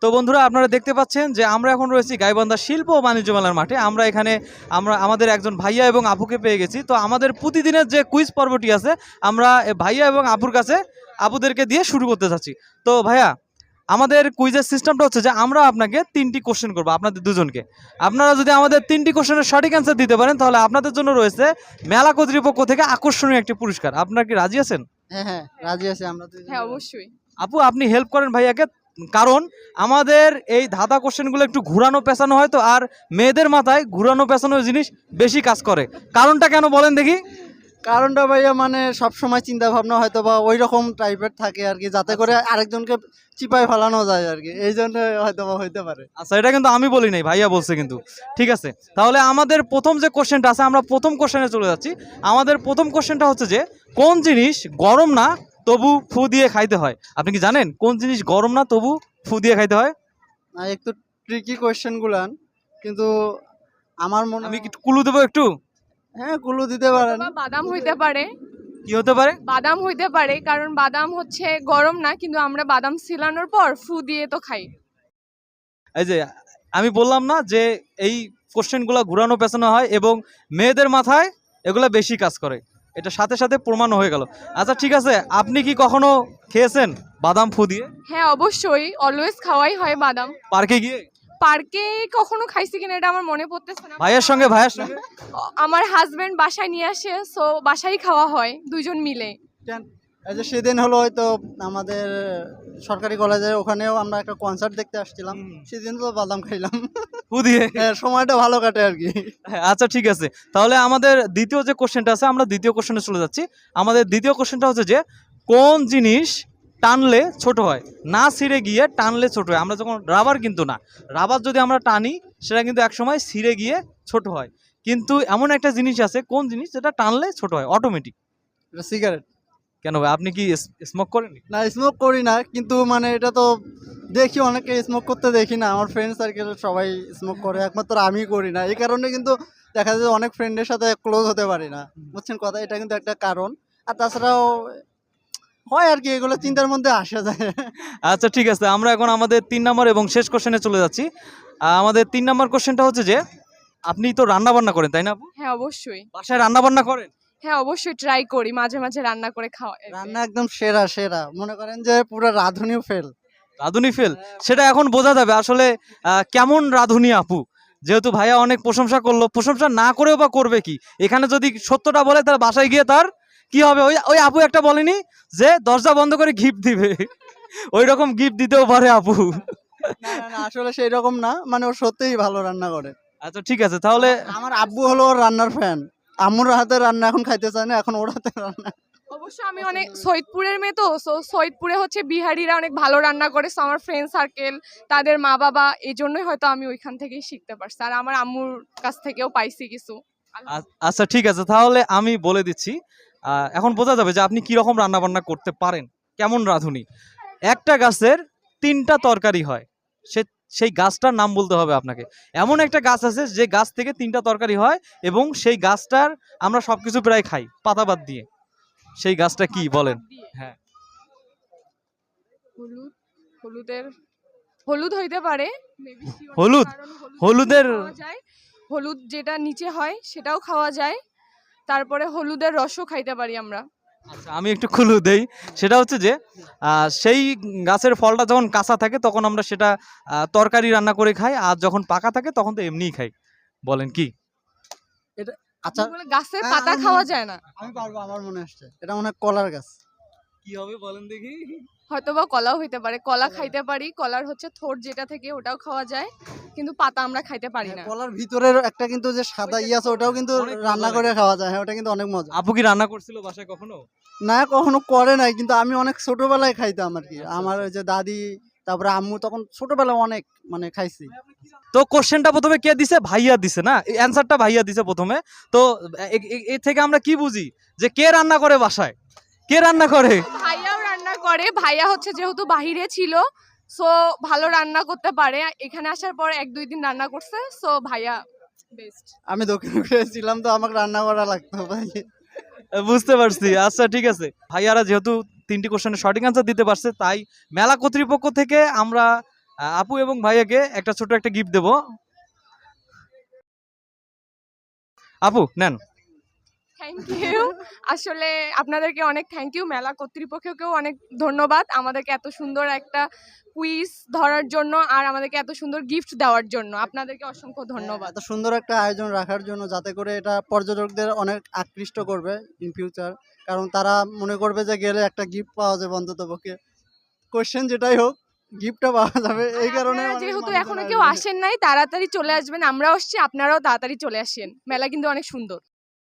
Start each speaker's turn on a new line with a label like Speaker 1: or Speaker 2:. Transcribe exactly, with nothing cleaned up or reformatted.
Speaker 1: তো বন্ধুরা আপনারা দেখতে পাচ্ছেন যে আমরা এখন রয়েছি গাইবান্ধা শিল্প ও বাণিজ্য মেলার মাঠে। আমরা এখানে আমরা আমাদের একজন ভাইয়া এবং আপুকে পেয়ে গেছি। তো আমাদের প্রতিদিনের যে কুইজ পর্বটি আছে আমরা ভাইয়া এবং আপুর কাছে আপুদেরকে দিয়ে শুরু করতে চাচ্ছি। তো ভাইয়া আমাদের কুইজের সিস্টেমটা হচ্ছে যে আমরা আপনাকে তিনটি কোশ্চেন করবো আপনাদের দুজনকে। আপনারা যদি আমাদের তিনটি কোশ্চেনের সঠিক অ্যান্সার দিতে পারেন তাহলে আপনাদের জন্য রয়েছে মেলা কর্তৃপক্ষ থেকে আকর্ষণীয় একটি পুরস্কার। আপনারা কি রাজি আছেন?
Speaker 2: হ্যাঁ হ্যাঁ রাজি আছি আমরা তো।
Speaker 3: হ্যাঁ অবশ্যই।
Speaker 1: আপু আপনি হেল্প করেন ভাইয়াকে, কারণ আমাদের এই ধাঁধা কোশ্চেনগুলো একটু ঘুরানো পেঁচানো হয় তো, আর মেয়েদের মাথায় ঘুরানো পেঁচানো জিনিস বেশি কাজ করে। কারণটা কেন বলেন দেখি?
Speaker 2: কারণটা ভাইয়া মানে সব সময় চিন্তা ভাবনা হয়তো বা ওই রকম টাইপের থাকে আর কি, যাতে করে আরেকজনকে চিপায় ফেলানো যায় আর কি, এই জন্য হয়তো বা হইতে পারে।
Speaker 1: আচ্ছা, এটা কিন্তু আমি বলি নাই, ভাইয়া বলছে কিন্তু। ঠিক আছে, তাহলে আমাদের প্রথম যে কোশ্চেনটা আছে আমরা প্রথম কোশ্চেনে চলে যাচ্ছি। আমাদের প্রথম কোশ্চেনটা হচ্ছে যে কোন জিনিস গরম না তবু ফু দিয়ে খাইতে হয়? আপনি কি জানেন কোন জিনিস গরম না তবু ফু দিয়ে খাইতে হয়?
Speaker 2: না, একটু ট্রিকি কোয়েশ্চেন গুলান, কিন্তু আমার মনে
Speaker 1: আমি কি ক্লু দেবো একটু?
Speaker 2: হ্যাঁ কুলু দিতে পারেন।
Speaker 3: অথবা বাদাম হইতে পারে।
Speaker 1: কি হতে পারে?
Speaker 3: বাদাম হইতে পারে, কারণ বাদাম হচ্ছে গরম না, কিন্তু আমরা বাদাম ছিলানোর পর ফু দিয়ে তো খাই।
Speaker 1: এই যে আমি বললাম না যে এই কোশ্চেনগুলো ঘুরানো পেছানো হয় এবং মেয়েদের মাথায় এগুলা বেশি কাজ করে, এটা সাথে সাথে প্রমাণ হয়ে গেল। আচ্ছা ঠিক আছে, আপনি কি কখনো খেয়েছেন বাদাম ফু দিয়ে?
Speaker 3: হ্যাঁ অবশ্যই, অলওয়েজ খাওয়াই হয় বাদাম।
Speaker 1: পার্কে গিয়ে?
Speaker 3: পার্কে কখনো খাইছি কিনা এটা আমার মনে পড়তেছে না।
Speaker 1: ভাইয়ের সঙ্গে? ভাইয়ের সঙ্গে?
Speaker 3: আমার হাজবেন্ড বাসায় নিয়ে আসে, সো বাসায় খাওয়া হয় দুইজন মিলে।
Speaker 2: এই যে সেদিন হলো হয়তো আমাদের সরকারি কলেজের ওখানেও আমরা একটা কনসার্ট দেখতে আসছিলাম, সেদিন তো বাদাম খাইলাম।
Speaker 1: ফু দিয়ে?
Speaker 2: হ্যাঁ, সময়টা ভালো কাটে আর কি।
Speaker 1: হ্যাঁ, আচ্ছা ঠিক আছে, তাহলে আমাদের দ্বিতীয় যে কোশ্চেনটা আছে আমরা দ্বিতীয় কোশ্চেনে চলে যাচ্ছি। আমাদের দ্বিতীয় কোশ্চেনটা হচ্ছে যে কোন জিনিস টানলে ছোট হয়? না ছিঁড়ে গিয়ে টানলে ছোট হয়। আমরা যখন রাবার, কিন্তু না, রাবার যদি আমরা টানি সেটা কিন্তু একসময় ছিঁড়ে গিয়ে ছোট হয়, কিন্তু এমন একটা জিনিস আছে কোন জিনিস যেটা টানলে ছোট হয় অটোমেটিক?
Speaker 2: সিগারেট।
Speaker 1: কেন ভাই, আপনি কি স্মোক করেন?
Speaker 2: না, স্মোক করি না, কিন্তু মানে এটা তো দেখি অনেকে স্মোক করতে দেখি না, আমার ফ্রেন্ড সার্কেল সবাই স্মোক করে, একমাত্র আমি করি না। এই কারণে কিন্তু দেখা যায় অনেক ফ্রেন্ডের সাথে ক্লোজ হতে পারি না, বুঝছেন কথা, এটা কিন্তু একটা কারণ। আর তাছাড়াও হয় আর কি, এগুলো চিন্তার মধ্যে আসা যায়।
Speaker 1: আচ্ছা ঠিক আছে, আমরা এখন আমাদের তিন নম্বর এবং শেষ কোশ্চেনে চলে যাচ্ছি। আহ, আমাদের তিন নম্বর কোশ্চেনটা হচ্ছে যে আপনি তো রান্না বান্না করেন তাই না আপু?
Speaker 3: হ্যাঁ অবশ্যই।
Speaker 1: বাসায় রান্না বান্না করেন?
Speaker 3: হ্যাঁ অবশ্যই, ট্রাই করি মাঝে মাঝে রান্না করে খাওয়া।
Speaker 2: রান্না একদম সেরা সেরা, মনে করেন যে পুরো রাঁধুনিও ফেল।
Speaker 1: রাঁধুনি ফেল? সেটা এখন বোঝা যাবে আসলে আহ, কেমন রাঁধুনি আপু, যেহেতু ভাইয়া অনেক প্রশংসা করলো, প্রশংসা না করেও বা করবে কি, এখানে যদি সত্যটা বলে তার বাসায় গিয়ে তার কি হবে? ওই ওই আপু একটা বলেনি যে দরজা বন্ধ করে গিফট দিবে, ওই রকম গিফট দিতেও পারে আপু।
Speaker 2: না না না, আসলে সেই রকম না, মানে ও সত্যিই ভালো রান্না করে।
Speaker 1: আচ্ছা ঠিক আছে, তাহলে
Speaker 2: আমার আব্বু হলো ওর রান্নার ফ্যান, আম্মুর হাতে রান্না এখন খাইতে চায় না, এখন ওর হাতে রান্না।
Speaker 3: অবশ্য আমি অনেক সৈয়দপুরের মেয়ে, তো সো সৈয়দপুরে হচ্ছে বিহারিরা অনেক ভালো রান্না করে, সো আমার ফ্রেন্ড সার্কেল, তাদের মা বাবা, এই জন্যই হয়তো আমি ওইখান থেকেই শিখতে পারছি, আর আমার আম্মুর কাছ থেকেও পাইছি কিছু।
Speaker 1: আ- আচ্ছা ঠিক আছে, তাহলে আমি বলে দিচ্ছি। আহ, এখন বোঝা যাবে যে আপনি কি রকম রান্না বান্না করতে পারেন, কেমন রাঁধুনি। একটা গাছের তিনটা তরকারি হয়, সে সেই গাছটার নাম বলতে হবে আপনাকে। এমন একটা গাছ আছে যে গাছ থেকে তিনটা তরকারি হয় এবং সেই গাছটার আমরা সবকিছু প্রায় খাই পাতা বাদ দিয়ে, সেই গাছটা কি বলেন? হ্যাঁ।
Speaker 3: হলুদ, হলুদের হলুদ হইতে পারে, maybe sure না,
Speaker 1: হলুদ?
Speaker 3: কারণ হলুদ
Speaker 1: হলুদের
Speaker 3: খাওয়া যায়, হলুদ যেটা নিচে হয় সেটাও খাওয়া যায়, তারপরে হলুদের রসও খাইতে পারি আমরা।
Speaker 1: আচ্ছা আমি একটু ক্লু দেই, সেটা হচ্ছে যে আহ, সেই গাছের ফলটা যখন কাঁচা থাকে তখন আমরা সেটা আহ, তরকারি রান্না করে খাই, আর যখন পাকা থাকে তখন তো এমনিই খাই। বলেন কি?
Speaker 2: আচ্ছা
Speaker 3: বলে গাছের
Speaker 2: হ্যাঁ,
Speaker 3: পাতা
Speaker 2: আমি-
Speaker 3: খাওয়া যায় না।
Speaker 2: আমি পারবো, আমার মনে আসছে, এটা মনে হয় কলার গাছ।
Speaker 1: কি হবে বলেন দেখি?
Speaker 3: হয়তোবা কলাও হইতে পারে, কলা খাইতে পারি, কলার হচ্ছে থোড় যেটা থেকে ওটাও খাওয়া যায়, কিন্তু পাতা আমরা খাইতে পারি না।
Speaker 2: হ্যাঁ, কলার ভিতরের একটা কিন্তু যে সাদা ই আছে, ওটাও কিন্তু
Speaker 1: অনেক মজা
Speaker 2: রান্না
Speaker 1: লাগে।
Speaker 2: করে খাওয়া যায়, হ্যাঁ ওটা কিন্তু অনেক মজা।
Speaker 1: আপু কি রান্না করছিল বাসায় কখনো?
Speaker 2: না, কখনো করে নাই, কিন্তু আমি অনেক ছোটবেলায় খাইতাম আর কি, আমার ওই যে দাদি, তারপরে আম্মু, তখন ছোটবেলায় অনেক মানে খাইছি।
Speaker 1: তো কোশ্চেনটা প্রথমে কে দিছে? ভাইয়া দিছে না, অ্যানসারটা ভাইয়া দিছে প্রথমে। তো এ- এ- এ থেকে আমরা কি বুঝি যে কে রান্না করে বাসায়, কে রান্না করে?
Speaker 3: ভাইয়াও রান্না করে, ভাইয়া হচ্ছে যেহেতু বাহিরে ছিল, সো ভালো রান্না করতে পারে, এখানে আসার পর এক দুই দিন রান্না করছে, সো ভাইয়া বেস্ট।
Speaker 2: আমি দক্ষিণ কোরিয়ায় ছিলাম তো আমাকে রান্না করা লাগতো ভাই।
Speaker 1: বুঝতে পারছি। আচ্ছা ঠিক আছে, ভাইয়ারা যেহেতু তিনটি কোশ্চেনের সঠিক অ্যান্সার দিতে পারছে, তাই মেলা কর্তৃপক্ষ থেকে আমরা আহ, আপু এবং ভাইয়াকে একটা ছোট একটা গিফট দেব। আপু নেন।
Speaker 3: Thank you. আসলে আপনাদেরকে অনেক থ্যাংক ইউ, মেলা কর্তৃপক্ষকেও অনেক ধন্যবাদ আমাদেরকে এত সুন্দর একটা কুইজ ধরার জন্য আর আমাদেরকে এত সুন্দর গিফট দেওয়ার জন্য। আপনাদেরকে অসংখ্য ধন্যবাদ।
Speaker 2: এত সুন্দর একটা আয়োজন রাখার জন্য, যাতে করে এটা পর্যটকদের অনেক আকৃষ্ট করবে ইন ফিউচার, কারণ তারা মনে করবে যে গেলে একটা গিফট পাওয়া যাবে অন্তত পক্ষে, কোশ্চেন যেটাই হোক গিফটটা পাওয়া যাবে, এই
Speaker 3: আর
Speaker 2: কারণে
Speaker 3: আপনারা
Speaker 2: অনেক
Speaker 3: যেহেতু
Speaker 2: মানুষজন
Speaker 3: এখনো কেউ
Speaker 2: আসবে।
Speaker 3: আসেন নাই, তাড়াতাড়ি চলে আসবেন। আমরাও আসছি, আপনারাও তাড়াতাড়ি চলে আসেন। মেলা কিন্তু অনেক সুন্দর।